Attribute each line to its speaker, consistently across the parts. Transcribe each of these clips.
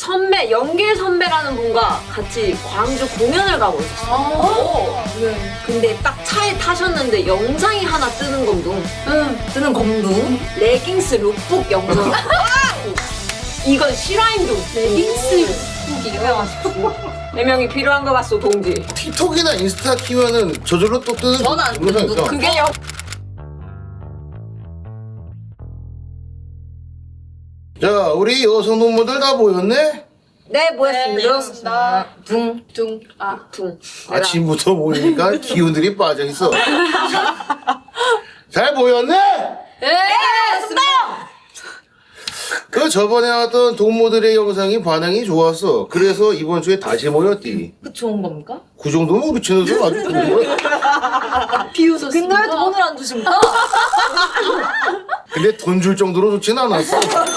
Speaker 1: 선배, 연길 선배라는 분과 같이 광주 공연을 가고 있었어요.
Speaker 2: 네.
Speaker 1: 근데 딱 차에 타셨는데 영상이 하나 뜨는 검둥.
Speaker 2: 뜨는 검둥.
Speaker 1: 레깅스 룩북 영상. 이건 실화임둥.
Speaker 2: 레깅스 룩북이요.
Speaker 1: 4명이 필요한 거 같소, 동지.
Speaker 3: 틱톡이나 인스타 키면은 저절로 또 뜨는
Speaker 2: 전안
Speaker 3: 영상
Speaker 2: 뜨는
Speaker 3: 있어.
Speaker 1: 그게 영...
Speaker 3: 자, 우리 여성 동무들 다 모였네?
Speaker 1: 네, 뭐였습니다.
Speaker 2: 나 둥.
Speaker 1: 둥.
Speaker 3: 아침부터 모이니까 기운들이 빠져 있어. 잘 모였네?
Speaker 2: 네, 맞습니다.
Speaker 3: 그 저번에 나왔던 동무들의 영상이 반응이 좋았어. 그래서 이번 주에 다시 모였디.
Speaker 2: 그 좋은 겁니까?
Speaker 3: 그 정도면 우리 채널도 아주 좋은 거야.
Speaker 2: 비웃었습니다. 근데 왜 돈을 안 주십니까?
Speaker 3: 근데 돈 줄 정도로 좋진 않았어.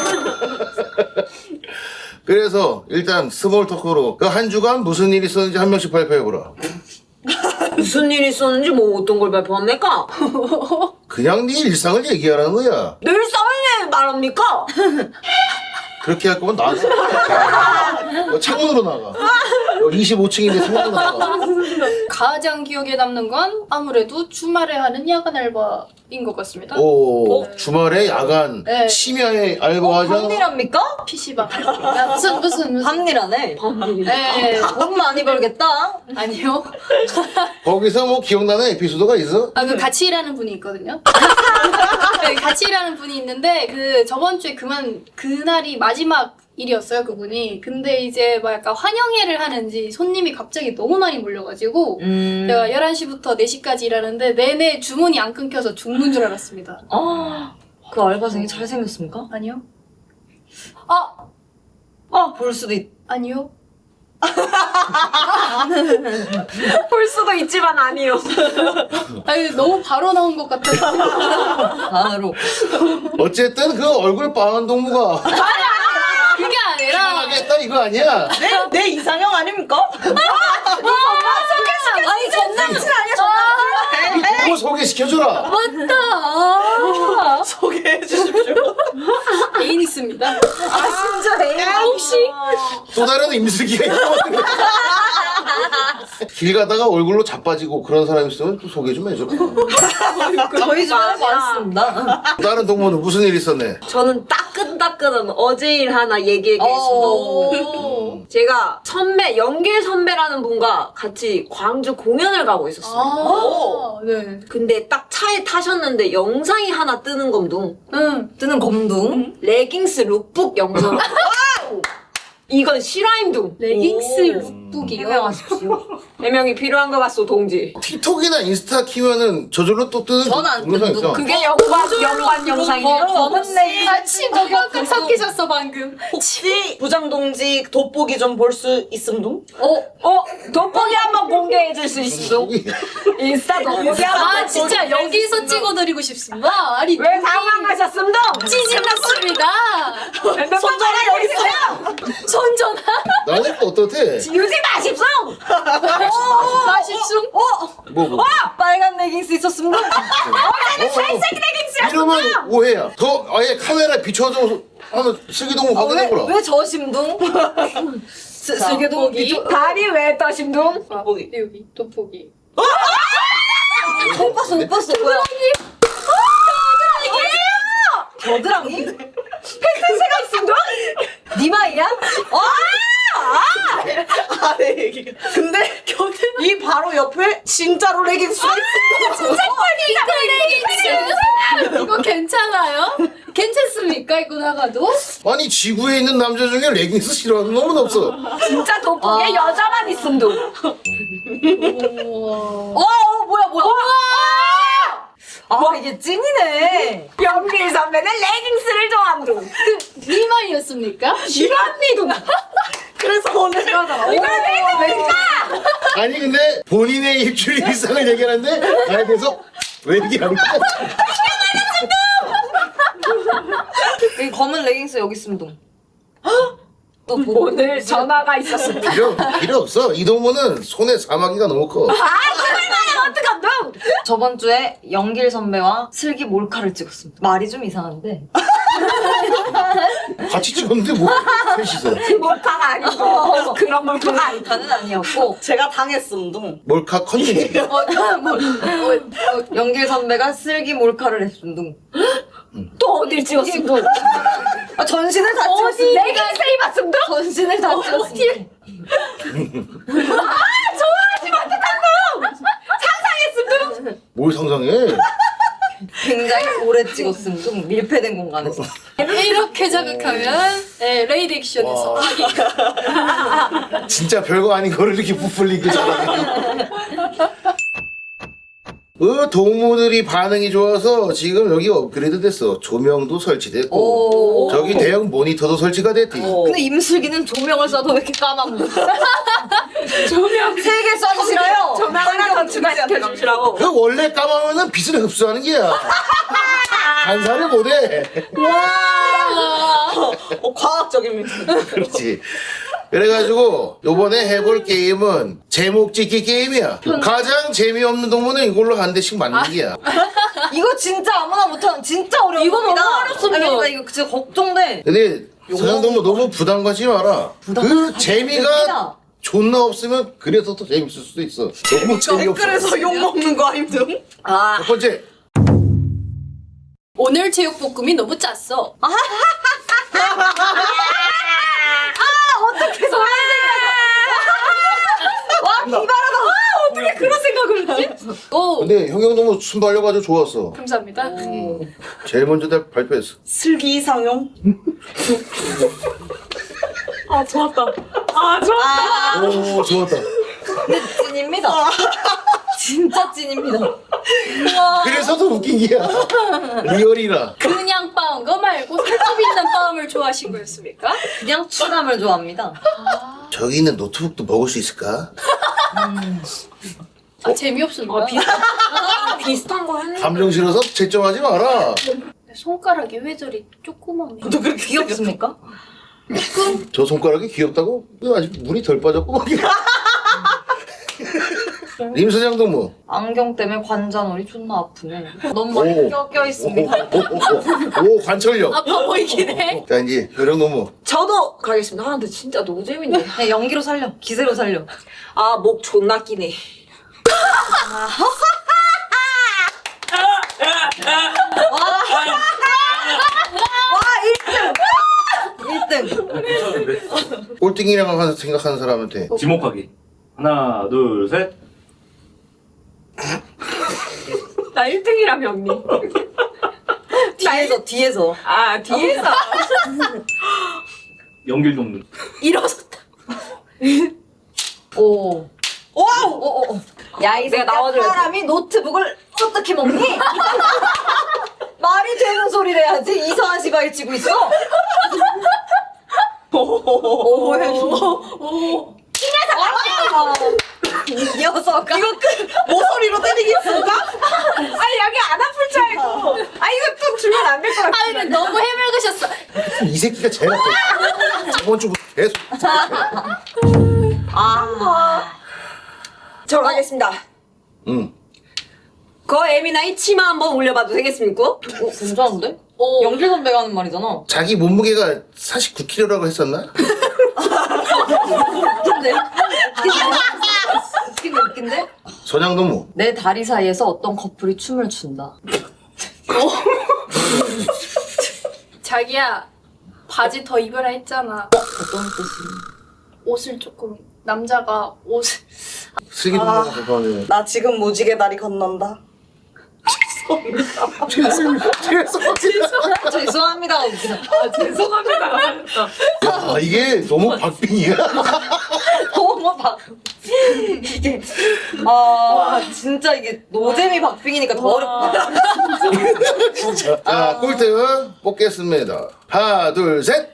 Speaker 3: 그래서 일단 스몰 토크로 그 한 주간 무슨 일이 있었는지 한 명씩 발표해보라.
Speaker 1: 무슨 일이 있었는지 뭐 어떤 걸 발표합니까?
Speaker 3: 그냥 네 일상을 얘기하라는 거야.
Speaker 1: 늘 싸움에 말합니까?
Speaker 3: 그렇게 할 거면 나가. 너 창문으로 나가. 25층인데 창문으로 나가.
Speaker 4: 가장 기억에 남는 건 아무래도 주말에 하는 야간 알바인 것 같습니다.
Speaker 3: 오, 주말에 야간
Speaker 4: 네.
Speaker 3: 심야에 알바하잖아.
Speaker 2: 밤일합니까?
Speaker 4: PC방. 야, 무슨.
Speaker 2: 밤일하네.
Speaker 4: 네.
Speaker 2: 돈 많이 벌겠다.
Speaker 4: 아니요.
Speaker 3: 거기서 뭐 기억나는 에피소드가 있어?
Speaker 4: 아, 그 같이 일하는 분이 있거든요. 네, 같이 일하는 분이 있는데, 그 저번 주에 그날이 마지막 일이었어요, 그분이. 근데 이제 막 약간 환영회를 하는지 손님이 갑자기 너무 많이 몰려가지고, 제가 11시부터 4시까지 일하는데 내내 주문이 안 끊겨서 죽는 줄 알았습니다.
Speaker 2: 그 알바생이 잘생겼습니까?
Speaker 4: 아니요?
Speaker 2: 볼 수도 있.
Speaker 4: 아니요?
Speaker 1: 볼 수도 있지만 아니요.
Speaker 4: 아니, 너무 바로 나온 것 같아서.
Speaker 2: 바로.
Speaker 3: 어쨌든 그 얼굴 빠른 동무가
Speaker 4: 그게 아니라.
Speaker 3: 하겠다 이거 아니야?
Speaker 2: 내 이상형 아닙니까? 아니, 전남친 아니야,
Speaker 3: 이 동무 소개시켜주라.
Speaker 4: 맞다.
Speaker 2: 소개해 주십시오.
Speaker 4: 애인 있습니다.
Speaker 2: 진짜 내
Speaker 4: 혹시?
Speaker 3: 또 다른 임슬기가 있고. 길 가다가 얼굴로 자빠지고 그런 사람 있으면 또 소개 좀 해줘.
Speaker 2: 저희 주변에 많습니다.
Speaker 3: 또 다른 동무는 무슨 일 있었네?
Speaker 1: 저는 따끈따끈한 어제 일 하나 얘기하겠습니다.
Speaker 4: 오.
Speaker 1: 제가 선배, 연길 선배라는 분과 같이 광주 공연을 가고 있었어요.
Speaker 4: 네.
Speaker 1: 근데 딱 차에 타셨는데 영상이 하나 뜨는 검둥.
Speaker 2: 뜨는 검둥.
Speaker 1: 레깅스 룩북 영상. 이건 실화임둥.
Speaker 4: 레깅스 룩북이요.
Speaker 2: 해명하십시오.
Speaker 1: 4명이 필요한 거 같소, 동지.
Speaker 3: 틱톡이나 인스타 키면은 저절로 또 뜨는
Speaker 2: 전안
Speaker 3: 영상
Speaker 2: 뜨는
Speaker 3: 있어.
Speaker 1: 그게 연관 영상이에요.
Speaker 2: 검은 레깅스.
Speaker 4: 아침 저만큼 섞이셨어 방금.
Speaker 5: 혹시 부장동지 돋보기 좀 볼 수 있음둥?
Speaker 1: 돋보기 한번 공개해 줄 수 있어? 인스타 돋보기 한번.
Speaker 4: 진짜 여기서 찍어드리고 싶습니다. 아니
Speaker 1: 왜 당황하셨습니다?
Speaker 4: 찌질났습니다.
Speaker 5: 손전화 여기 있어요!
Speaker 4: 손전화
Speaker 3: 나는 또 어떻대?
Speaker 1: 유지 마십시오!
Speaker 4: 마십시오.
Speaker 3: 뭐.
Speaker 2: 빨간 레깅스 있었습니다.
Speaker 3: 살색 레깅스야. 이러면 오해야. 더 아예 카메라에 비춰서 하면 슬기동무 확인해보라.
Speaker 2: 왜 저심둥? 슬기동
Speaker 4: 돋보기.
Speaker 1: 다리 왜 떠심둥?
Speaker 5: 돋보기.
Speaker 4: 여기 돋보기.
Speaker 2: 못 봤어 못 봤어 뭐야? 겨드랑이?
Speaker 1: 팩트체가 있습니다?
Speaker 2: 니마이야?
Speaker 5: 아래 얘기가. 근데 이 바로 옆에 진짜로 레깅스가 있어.
Speaker 4: 레깅스. 이거 괜찮아요? 괜찮습니까? 입고 나가도?
Speaker 3: 아니 지구에 있는 남자 중에 레깅스 싫어하는 놈은 없어.
Speaker 1: 진짜 돋보기에 여자만 있음둥.
Speaker 2: 뭐야? 와 이게 찐이네.
Speaker 1: 연길 선배는 레깅스를 좋아함둥.
Speaker 4: 니마이였습니까?
Speaker 1: 실화입니둥.
Speaker 5: 그래서 오늘
Speaker 1: 이걸 팩트입니까?
Speaker 3: 아니 근데 본인의 일주일 일상을 얘기하는데 나에 대해서 왜 얘기하는 거야?
Speaker 2: 이 검은 레깅스 여기 있음둥. 또
Speaker 1: 오늘 전화가 있었습니다.
Speaker 3: 필요 없어. 이 동무는 손에 사마귀가 너무 커.
Speaker 1: 어떡함둥?
Speaker 2: 저번 주에 연길 선배와 슬기 몰카를 찍었습니다. 말이 좀 이상한데.
Speaker 3: 같이 찍었는데 뭐 셋이서
Speaker 1: 몰카가 아니고 그런 몰카가 아니고.
Speaker 2: 다는 아니었고
Speaker 5: 제가 당했음둥.
Speaker 3: 몰카 컨텐츠.
Speaker 2: 연길 선배가 쓸기 몰카를 했음둥.
Speaker 1: 또 어딜 찍었어?
Speaker 2: 아, 전신을 다
Speaker 1: 어디
Speaker 2: 찍었음.
Speaker 1: 레깅스 입었음도?
Speaker 2: 전신을 다 찍었음.
Speaker 1: 좋아하지 못했던 거! 상상했음도?
Speaker 3: 뭘 상상해?
Speaker 2: 굉장히 오래 찍었음둥. 밀폐된 공간에서.
Speaker 4: 이렇게 자극하면 네, 레이드 액션에서
Speaker 3: 진짜 별거 아닌 거를 이렇게 부풀리게 잘하네. 동무들이 반응이 좋아서 지금 여기 업그레이드 됐어. 조명도 설치됐고
Speaker 2: 오.
Speaker 3: 저기 대형 모니터도 설치가 됐디.
Speaker 2: 근데 임슬기는 조명을 쏴도 왜 이렇게 까맣노?
Speaker 1: 조명
Speaker 2: 3개 쏴주시라요.
Speaker 1: 조명 하나 더 추가시켜주시라고.
Speaker 3: 그 원래 까마면은 빛을 흡수하는 게야. 반사를 못해.
Speaker 5: 과학적입니다.
Speaker 3: 그렇지. 그래가지고 요번에 해볼 게임은 제목 짓기 게임이야. 가장 재미없는 동물은 이걸로 한 대씩 맞는 게야.
Speaker 2: 이거 진짜 아무나 못하는 진짜 어려운
Speaker 1: 이거 너무
Speaker 2: 겁니다.
Speaker 1: 어렵습니다.
Speaker 2: 아니, 그러니까 이거 진짜 걱정돼.
Speaker 3: 근데 서장동무 너무 부담 갖지 마라. 그 재미가
Speaker 2: 됩니다.
Speaker 3: 존나 없으면 그래서 더 재밌을 수도 있어. 너무 재미없어.
Speaker 5: 댓글에서 욕먹는 거 아님등?
Speaker 2: 아,
Speaker 3: 첫 번째.
Speaker 4: 오늘 제육볶음이 너무 짰어.
Speaker 2: 와 기발하다.
Speaker 1: 어떻게 그런 생각을 했지?
Speaker 4: 오
Speaker 3: 근데 형형동무 순발려가지고 좋았어.
Speaker 4: 감사합니다.
Speaker 3: 제일 먼저 다 발표했어.
Speaker 5: 슬기 이상형?
Speaker 1: 아 좋았다. 아 좋았다.
Speaker 3: 오 좋았다.
Speaker 2: 찐입니다. 진짜 찐입니다.
Speaker 3: 그래서 더 웃긴 게야. 리얼이라.
Speaker 4: 그냥 빠은 거 말고 살집 있는 빠음을 좋아하신 거였습니까?
Speaker 2: 그냥 추감을 좋아합니다.
Speaker 3: 저기 있는 노트북도 먹을 수 있을까?
Speaker 4: 아, 재미없습니다.
Speaker 1: 비슷한 거 했는데.
Speaker 3: 감정 실어서 채점하지 마라.
Speaker 4: 내 손가락이 왜 저리 조그맣네.
Speaker 5: 너 그렇게
Speaker 2: 귀엽습니까?
Speaker 3: 저 손가락이 귀엽다고? 아직 물이 덜 빠졌고. 림 소장동무.
Speaker 2: 안경 때문에 관자놀이 존나 아프네. 너무 많이 껴 있습니다.
Speaker 3: 오, 관철력.
Speaker 4: 아파 보이긴 해.
Speaker 3: 자, 이제 요령동무.
Speaker 1: 저도 가겠습니다. 아 근데 진짜 너무 재밌네.
Speaker 2: 그냥 연기로 살려. 기세로 살려.
Speaker 1: 아 목 존나 끼네.
Speaker 2: 와 1등.
Speaker 3: 꼴등이라고 생각하는 사람한테.
Speaker 6: 지목하기. 하나, 둘, 셋.
Speaker 1: 나 1등이라며 언니.
Speaker 2: 뒤에서.
Speaker 1: 아 뒤에서.
Speaker 6: 연길 돕는.
Speaker 1: 일어섰다.
Speaker 2: 오. 와우. 야, 이
Speaker 1: 내가
Speaker 2: 새끼야,
Speaker 1: 나와줘야지.
Speaker 2: 사람이 노트북을 어떻게 먹니? 말이 되는 소리를 해야지. 이상한 시바일 치고 있어. 오, 이 녀석. 이거
Speaker 5: 모서리로 때리겠습니까?
Speaker 1: 아니 여기 안 아플 줄 알고. 아 이거 또 주면 안 될 것 같아.
Speaker 4: 아, 근데 너무 해맑으셨어.
Speaker 3: 이 새끼가 제일 나빠. 저번 주부터 계속.
Speaker 1: 저 가겠습니다.
Speaker 3: 응.
Speaker 1: 그 에미나이 치마 한번 올려봐도 되겠습니까?
Speaker 2: 괜찮은데?
Speaker 4: 오.
Speaker 2: 연길 선배가 하는 말이잖아.
Speaker 3: 자기 몸무게가 49kg라고 했었나?
Speaker 2: 웃긴데? 웃긴데?
Speaker 3: 소장동무.
Speaker 2: 내 다리 사이에서 어떤 커플이 춤을 춘다.
Speaker 4: 자기야, 바지 더 입으라 했잖아.
Speaker 2: 어떤 뜻이?
Speaker 4: 옷을 조금, 남자가 옷을.
Speaker 3: 슬기동무가 대박이네.
Speaker 5: 나 지금 무지개 다리 건넌다.
Speaker 2: 죄송합니다. 웃기다.
Speaker 1: 죄송합니다.
Speaker 3: 야, 이게 너무 박빙이야.
Speaker 2: 너무 박. 이게 진짜 이게 노잼이 박빙이니까 더 어렵다.
Speaker 3: 자, 꼴등 뽑겠습니다. 하나, 둘, 셋.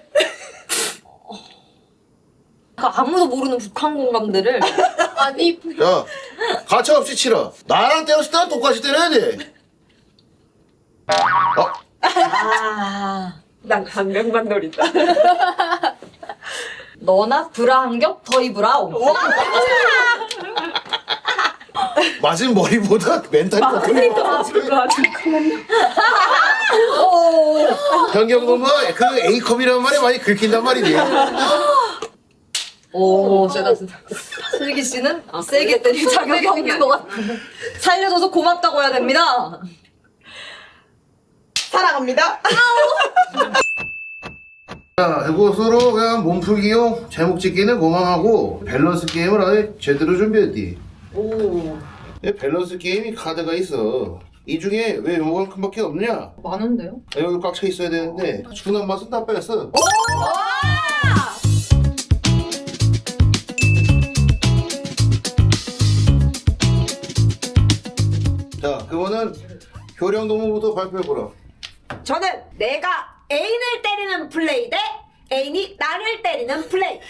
Speaker 2: 아무도 모르는 북한 공감대를
Speaker 4: 아니,
Speaker 3: 자, 가차없이 치러. 나랑 때렸을 때는 똑같이 때려야 돼.
Speaker 1: 난 강경만 노린다.
Speaker 2: 너나 브라 한 겹 더 입으라오.
Speaker 3: 맞은 머리보다 멘탈이 더 크는 것 같아. 현경동무 그 A컵이라는 말이 많이 긁힌단 말이지.
Speaker 2: 오, 세다. 슬기 씨는 세게 때릴 자격이 없는 것 같아. 살려줘서 고맙다고 해야 됩니다.
Speaker 5: 사랑합니다.
Speaker 3: 자, 이것으로 그냥 몸풀기용 제목 짓기는 그만하고 밸런스 게임을 아예 제대로 준비했디.
Speaker 2: 오,
Speaker 3: 밸런스 게임이 카드가 있어. 이 중에 왜 요만큼밖에 없냐?
Speaker 2: 많은데요?
Speaker 3: 여기 꽉 차 있어야 되는데 준한 맛은 다 뺐어. 자, 그거는 효령동무부터 발표해보라.
Speaker 1: 저는 내가 애인을 때리는 플레이 대 애인이 나를 때리는 플레이.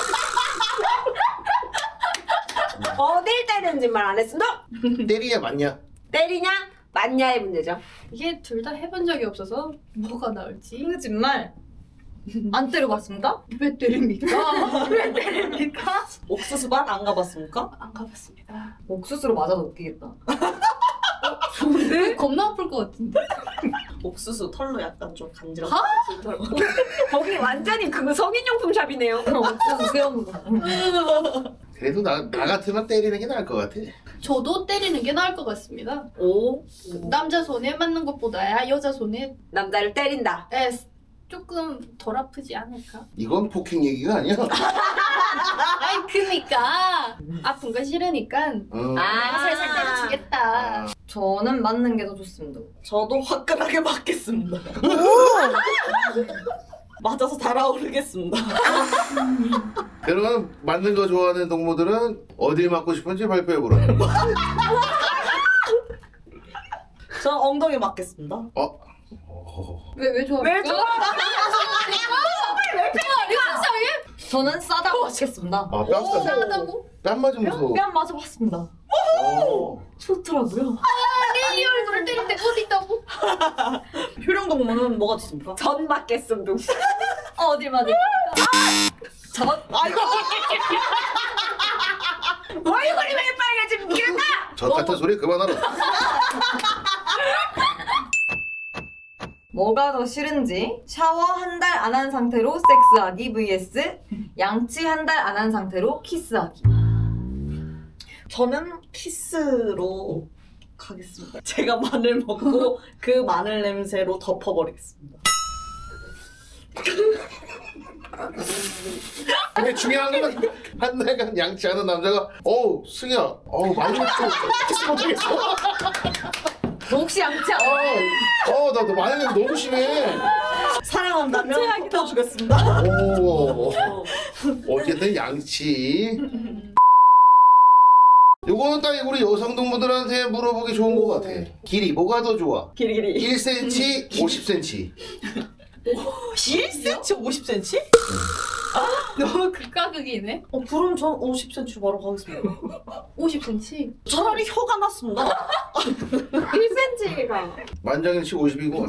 Speaker 1: 어딜 때리는지 말 안 했습니다.
Speaker 3: 때리냐 맞냐?
Speaker 1: 때리냐 맞냐의 문제죠.
Speaker 4: 이게 둘 다 해본 적이 없어서 뭐가 나올지.
Speaker 2: 거짓말. 안 때려봤습니까?
Speaker 4: 왜 때립니까?
Speaker 2: 왜 때립니까?
Speaker 5: 옥수수반 안 가봤습니까?
Speaker 4: 안 가봤습니다.
Speaker 2: 옥수수로 맞아도 웃기겠다.
Speaker 4: 근데 겁나 아플 것 같은데.
Speaker 5: 옥수수 털로 약간 좀 간지러.
Speaker 1: 거기 완전히 그 성인용품 샵이네요.
Speaker 2: 옥수수 세우는 거.
Speaker 3: 그래도 나 같으면 때리는 게 나을 것 같아.
Speaker 4: 저도 때리는 게 나을 것 같습니다.
Speaker 1: 오,
Speaker 4: 남자 손에 맞는 것보다 여자 손에
Speaker 1: 남자를 때린다.
Speaker 4: 조금 덜 아프지 않을까?
Speaker 3: 이건 폭행 얘기가 아니야.
Speaker 4: 아이 그니까 아픈 거 싫으니까
Speaker 1: 아,
Speaker 4: 살살 때려주겠다.
Speaker 2: 저는 맞는 게 더 좋습니다.
Speaker 5: 저도 화끈하게 맞겠습니다. 맞아서 달아오르겠습니다.
Speaker 3: 그러면 맞는 거 좋아하는 동무들은 어딜 맞고 싶은지 발표해보라.
Speaker 5: 저는 엉덩이 맞겠습니다.
Speaker 4: 왜 좋아?
Speaker 1: 왜 좋아?
Speaker 2: 저는 싸다고 하겠습니다.
Speaker 3: 아, 뺨 싸.
Speaker 4: 이상하다고?
Speaker 3: 뺨 맞으면서.
Speaker 2: 뺨 맞아봤습니다. 좋더라고요.
Speaker 4: 내 얼굴을 때릴 때 어디 있다고?
Speaker 5: 효령동무는 뭐가 있습니까?
Speaker 1: 전 맞겠음 둥.
Speaker 2: 어딜 맞을까?
Speaker 5: 아이고.
Speaker 1: 얼굴이 왜 빨개집니까?
Speaker 3: 저 같은 소리 그만하라.
Speaker 2: 뭐가 더 싫은지 샤워 한 달 안 한 상태로 섹스하기 vs 양치 한 달 안 한 상태로 키스하기.
Speaker 5: 저는 키스로 가겠습니다. 제가 마늘 먹고 그 마늘 냄새로 덮어버리겠습니다.
Speaker 3: 근데 중요한 건 한 달간 양치하는 남자가 승희야 많이 먹고 키스 못하겠어.
Speaker 2: 너 혹시 양치 안
Speaker 3: 나 마늘 냄새 너무 심해.
Speaker 5: 사랑한다면 덮어주겠습니다.
Speaker 3: 어쨌든 양치. 요거는 딱 우리 여성 동무들한테 물어보기 좋은 것 같아. 길이 뭐가 더 좋아?
Speaker 5: 길이
Speaker 3: 1cm, 50cm.
Speaker 5: 1cm, 50cm?
Speaker 4: 너무 극과 극이네.
Speaker 5: 그럼 전 50cm 바로 가겠습니다.
Speaker 4: 50cm.
Speaker 5: 차라리 혀가 났습니다.
Speaker 1: 1cm가.
Speaker 3: 만장일치 50이고.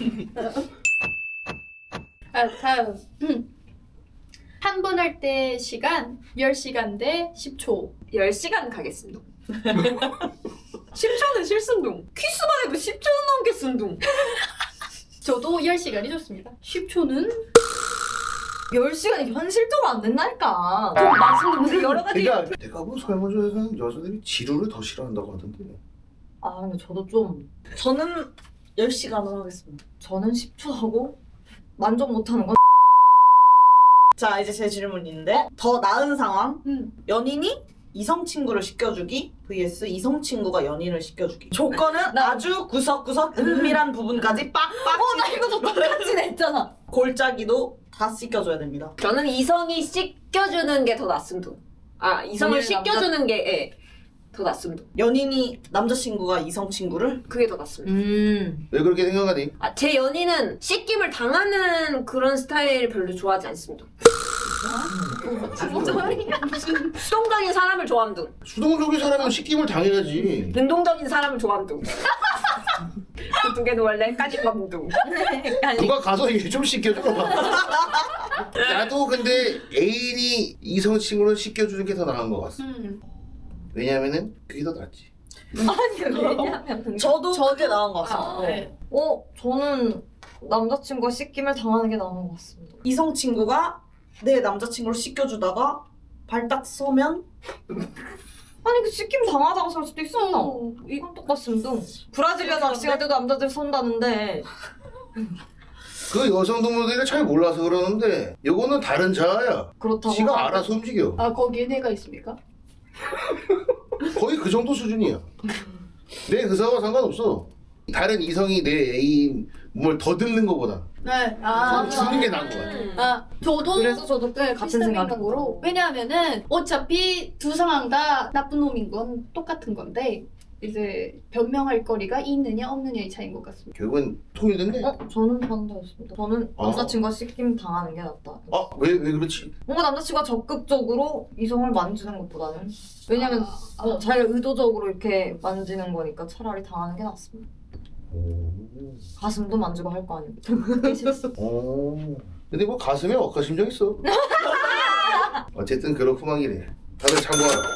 Speaker 4: 다음. 한 번 할 때 시간 10시간 대 10초.
Speaker 1: 10시간 가겠습니다. 10초는 실순둥. 키스만 해도 10초는 넘겠순둥.
Speaker 4: 저도 10시간이 좋습니다. 10초는
Speaker 2: 10시간이 현실적으로 안 된다니까.
Speaker 1: 말씀도 여러 가지.
Speaker 3: 그러니까 내가 본 설문조사에서는 여자들이 지루를 더 싫어한다고 하던데.
Speaker 2: 아 근데 저도 좀
Speaker 5: 저는 10시간을 하겠습니다.
Speaker 2: 저는 10초 하고 만족 못하는 건
Speaker 5: 자, 이제 제 질문인데 더 나은 상황.
Speaker 4: 음.
Speaker 5: 연인이 이성 친구를 시켜주기 vs 이성 친구가 연인을 시켜주기. 조건은 아주 구석구석 은밀한 부분까지 빡빡.
Speaker 2: 나 이거 저 똑같이 냈잖아.
Speaker 5: 골짜기도 다 씻겨줘야 됩니다.
Speaker 1: 저는 이성이 씻겨주는 게 더 낫습니다. 이성을
Speaker 2: 오늘
Speaker 1: 씻겨주는 게 더 낫습니다.
Speaker 5: 연인이 남자친구가 이성 친구를
Speaker 1: 그게 더 낫습니다.
Speaker 3: 왜 그렇게 생각하니?
Speaker 1: 제 연인은 씻김을 당하는 그런 스타일 별로 좋아하지 않습니다. 수동적인 사람을 좋아함둥.
Speaker 3: 수동적인 사람은 시킴을 당해야지.
Speaker 1: 능동적인 사람을 좋아함둥. 그 두 개는 원래 까짓밤둥.
Speaker 3: 누가 가서 이게 좀 시켜줘. 나도 근데 애인이 이성 친구를 시켜주는 게 더 나은 것 같아. 왜냐면은 그게 더 낫지.
Speaker 2: 아니 왜냐면
Speaker 5: 저도 그게 나은 것 같습니다.
Speaker 4: 네.
Speaker 2: 저는 남자친구가 씻김을 당하는 게 나은 것 같습니다.
Speaker 5: 이성 친구가 내 남자친구를 씻겨주다가 발 딱 서면
Speaker 2: 아니 그 씻김 당하다가 살 수도 있어.
Speaker 4: 이
Speaker 2: 이건 똑같습니다. 브라질리아 낚시할 때도 남자들 선다는데
Speaker 3: 그 여성 동물들이 잘 몰라서 그러는데 요거는 다른 자아야.
Speaker 2: 그렇다고
Speaker 3: 지가 알아서 움직여.
Speaker 4: 아 거기에 내가 있습니까?
Speaker 3: 거의 그 정도 수준이야. 내 의사와 상관없어. 다른 이성이 내 애인 몸을 더듬는 것보다
Speaker 4: 네.
Speaker 3: 주는 게 나은 것 같아.
Speaker 4: 아, 저도
Speaker 2: 그래서 저도
Speaker 4: 네,
Speaker 2: 같은
Speaker 4: 비슷한
Speaker 2: 생각으로
Speaker 4: 생각으로. 왜냐하면은 어차피 두 상황 다 나쁜 놈인 건 똑같은 건데 이제 변명할 거리가 있느냐 없느냐의 차이인 것 같습니다.
Speaker 3: 결국은 통일됐네.
Speaker 2: 저는 반대였습니다. 저는 남자친구가 씻김 당하는 게 낫다.
Speaker 3: 왜 그렇지?
Speaker 2: 뭔가 남자친구가 적극적으로 이성을 만지는 것보다는 왜냐면 잘 의도적으로 이렇게 만지는 거니까 차라리 당하는 게 낫습니다. 가슴도 만지고 할 거 아닙니까?
Speaker 3: 근데 뭐 가슴에 억하심정 있어. 어쨌든 그렇구만 이래. 다들 참고하라.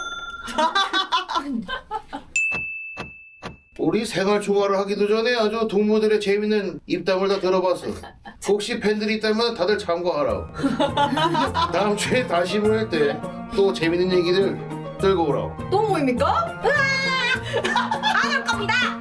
Speaker 3: 우리 생활 초과를 하기도 전에 아주 동무들의 재밌는 입담을 다 들어봤어. 혹시 팬들이 있다면 다들 참고하라. 다음 주에 다시 모일 때 또 재밌는 얘기들 들고 오라고.
Speaker 2: 또 모입니까? 안 올 겁니다!